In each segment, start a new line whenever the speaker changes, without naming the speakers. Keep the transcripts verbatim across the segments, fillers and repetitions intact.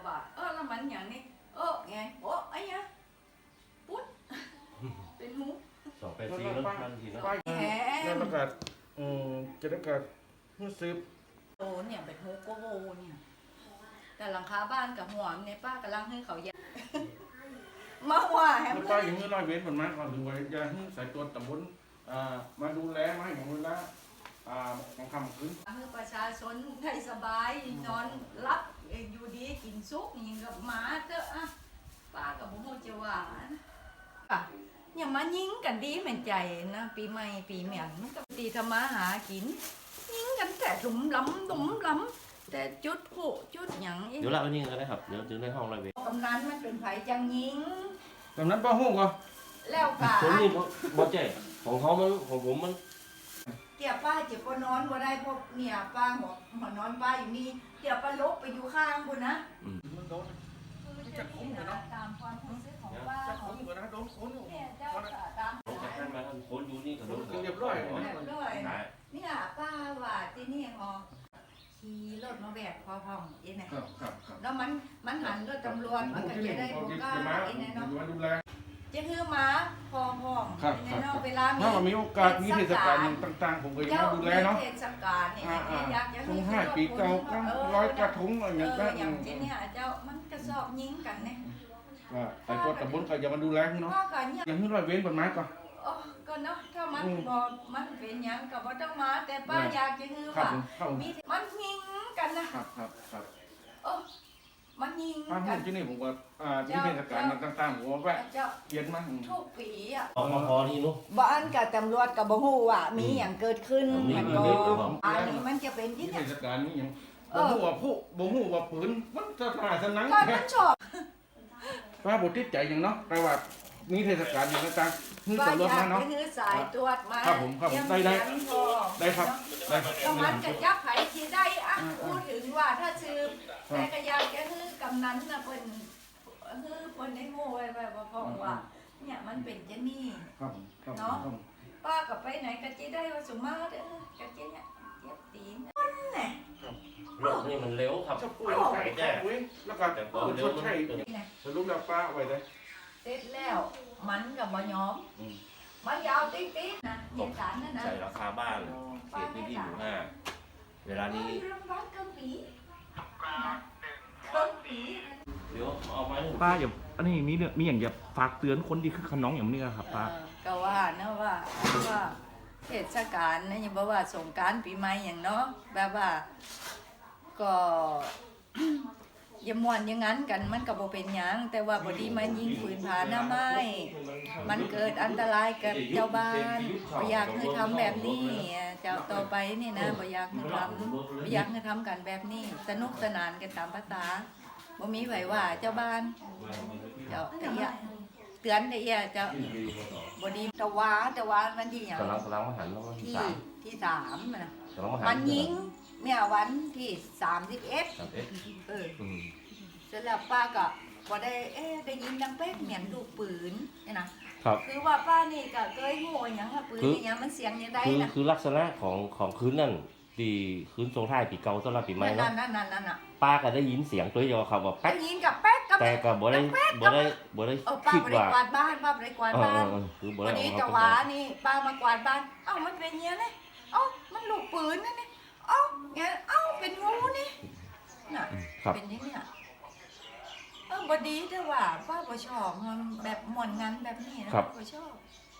ว่าเออแล้วมันอย่างนี้เออไงโอ้ไอ้เนี่ยปุ๊ดเป็นหู
สองแปดสี่แล้วบางทีเนาะ
แหม
แล้วก็อืมจะได้ก็รู้สึก
โตเนี่ยเป็นหูโกโวเนี่ยแต่หลังคาบ้านกับหัวในป้ากำลังให้เขาแยกมาว่าแฮม
เมื่อป้าอย่างนี้ร้อยเว้นผลมาก่อนถึงว่าจะให้สายตัวตำบลอ่ามาดูแลมาอย่างเวลาอ่าของคำคืน
ให้ประชาชนได้สบายนอนรับอยู่ดีกินซุปอย่างกับหมาเถอะอ่ะป้ากับบุ้งจะว่าอ่ะอย่ามายิงกันดีเหมือนใจนะปีใหม่ปีเหมียนมันก็ตีธรรมาหากินยิงกันแต่หลุมล้ำหลุมล้ำแต่จุดผู้จุดหยัง
เดี๋ยวเราเอานี่กันนะครับเดี๋ยวถึงในห้องร้อยเวร
กำนันมันเป็นไผจังยิง
ตอนนั้นป้าหู้ก็
แล้วกะ
ผมนี่บ่เจ๊ของเขามันของผมมัน
เกี่ยวป้าเจ็บปนอนบ่ได้เพราะเนี่ยป้าหัวหัวนอนป้าอยู่นี่เกี่ยวป้าลบไปอยู่ข้างบุญนะ
มันโดน
จะคุ้มเหรอตามความรู้สึกของป้า
จะคุ้มเหรอนะโดนคนอยู่
เนี่ยเจ้าตาม
ผมจะให้มาคนอยู่นี่ก็โดน
เรียบร้อย
เรียบร้อยเนี่ยป้าว่าที่นี่ฮอขี่รถมาแบกพอพ่องเองนะครับ
ครับครับ
แล้วมันมันหันรถตำรวจมันก็จะได้บุกกล้าเองเนาะ
มาดูแล
จะคือหมาพอพ่องเองเนาะเวลามี
ถ้ามีโอกาสมีเทศกาลต่างๆผมก็จะมาดูแลเนาะ
เทศกาลเนี่ยอยากจะ
ทงห้าปีเก่าร้อยกระทงอะไรอย่าง
เอ
เงี้
อย อย่างเช่นเนี่ยเจ้ามันกระสอบยิงกันเนี่ย
ว่าไอ้ตัวตำบลก็จะมาดูแลเนาะ
ว่ากันเนี่ย
อย่างที่ร้อยเว้นผลไม้ก่อน
โอ้ก็เนาะถ้ามันบอกมันเป็นอย่างก็บ่ต้องมาแต่ป้าอยากจะคือ
ครับ
ว่า
ผมครับผม
มีมันยิงกันนะครับ
ครับครับ
โอ้มันยิง
ป้า
กั
พู
น
ดที่นี่ผมว่าอ่าที่เทศกาลต่างๆผมว่าแวะ
เจ้า
เย็นมาก
ทุกปีอ่ะ
ออกมาพอนี่นู้
บ้านกับตำรวจกับบ่ฮู้ว่ามีอย่างเกิดขึ้น
มี
มัน
มี
ก็
มีมี
อันนี้มันจะเป็นที่
ที่
เนี่ย
เทศกาลนี้ยังบ่ฮู้ว่าผู้บ่ฮู้ว่าปืนมันสถานสนัง
ก็มันชอบ
ป้าบ่ติดใจหยังเนาะแต่ว่ามีเทศกาลอย่างต่างๆคือ
ป้า
ตำรวจ
อยา
มาเนาะ
กคือสายตรวจมา
ครับผมครับผมได้ได้
เยี่ยมเยียนพอ
ได้ครับได้ครับ
แล้วมันก็ยักไผที่ได้อ่ะพูดถึงว่าถ้าซื้อแต่ก็อยากจะคือกำนันน่ะเพิ่นคือเพิ่นได้โง่ไว้แบบว่าเพราะว่าเนี่ยมันเป็นจะนี่
ครับครับ
เนาะป้าก็ไปไหนก็จะได้ว่าสุมาเด้อก็จะเนี่ยเจ็บตีนคนน่ะ
รถนี่มันเร็วครับ
จะปุ้ยไก่แจ้แล้วก็
แต่พอ
ช
เร็ว
ด
มัน
ใช้
เกิด
สรุปแล้วป้าไว้ได้
เสร็จแล้วมันก็บ่ยอมมันยาวติ๊กๆนะเหตุการณ์นั่นนะ
ใส่ราคาบ้านเขตพื้นที่หมู่ห้าเวลานี้
เรื่องบ้านเกินปีนะเกินปี
เดี๋ยวเอาไม้
ป้าอย่าอันนี้มีเนี่ยมีอย่างอย่าฝากเตือนคนที่คือขน้องอย่างนี้ครับป้า
เออก็ว่านะว่าว่าเทศกาลนะยังบอกว่าสงกรานต์ปีใหม่อย่างเนาะแบบว่าก็ อย่าม่วนอย่างนั้นกันมันก็บ่เป็นหยังแต่ว่าบ่ดีมันยิงปืนผาหน้าไม้มันเกิดอันตรายกับเจ้าบ้านบ่อยากให้ทำแบบนี้เจ้าต่อไปนี่นะบ่อยากให้ทำบ่อยากให้ทำกันแบบนี้สนุกสนานกันตามภาษาบ่มีไผว่าเจ้าบ้านเจ้าแต่อย่าเตือนได้อย่าเจ้าบ่ดีตะวาตะวามันที่หยัง
กำลังกำลังมาหันแล้ววันที่
ที่
สาม
ที่สามน่ะ
กำลังมาหัน
มันยิงเมื่อวันที่สามสิบเอ็ด
สามเอ็ด
เออ
อืม
เสร็จแล้วป้าก็บ่ได้เอ๊ะได้ยินดังเป๊กเหมือนลูกปืนนี่นะครับ คือว่าป้านี่ก็เคยโง่หยังอะปืนนี่หยังมันเสียงยังไง
คือ
นะ
คือลักษณะของของคืนนั่นดีคืนทรงท้ายปีเก่าต้อนรับปีใหม่
นั่
เนาะ
นนั่นนั่นนั่นน่ะ
ป้าก็ได้ยินเสียงตัวเดียวครับว่า
ได้
แป๊ก
ยินกับแป๊กกับ
แต่ก็บ่ได้บ่ได้บ่ได้
เออป้า
คิด
บ่ได้
ว่าก
วาดบ้านป้าบ่ได้กวาด
เออ
บ้าน
เออคือบ่
วั
ได้
นนี้
เอา
จะ
เข้า
ว่า
ไป
นี่ป้ามากวาดบ้านเอ้ามันเป็นเงี้ยนี่เอ้ามันลูกปืนนั่นนี่เอ้าเงี้ยเอ้าเป็นงูนี่น่ะ
ครับ
เป็นอย่างนี้น่ะเออบดีแต่ว่าป้าบ่ชอบมันแบบหม่อนงานแบบนี้นะป้าบ่ชอบ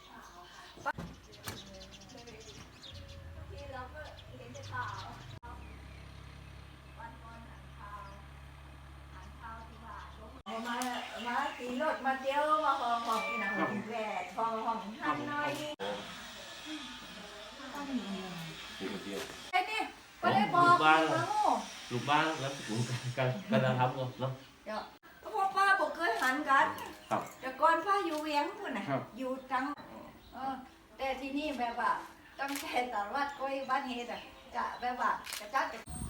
มามาตีรถมาเที่ยวมาห้องห้องนี่นะห้องแหวนห้องห้องหันหน่อยไอ้นี่ก็ได้บอกมาโง่
ลูกบ้านแล้วถึงการการทำเนาะ
เดี๋ยวเพราะป้าบอกเคยหันกัน
ครับ
แต่ก่อนป้าอยู่เวียงพุ่นน่ะอยู่ตังเออแต่ที่นี่แบบว่าตั้งแต่ตลาดก้อยบ้านเฮ็ดอ่ะจะแบบว่ากระจัดกระ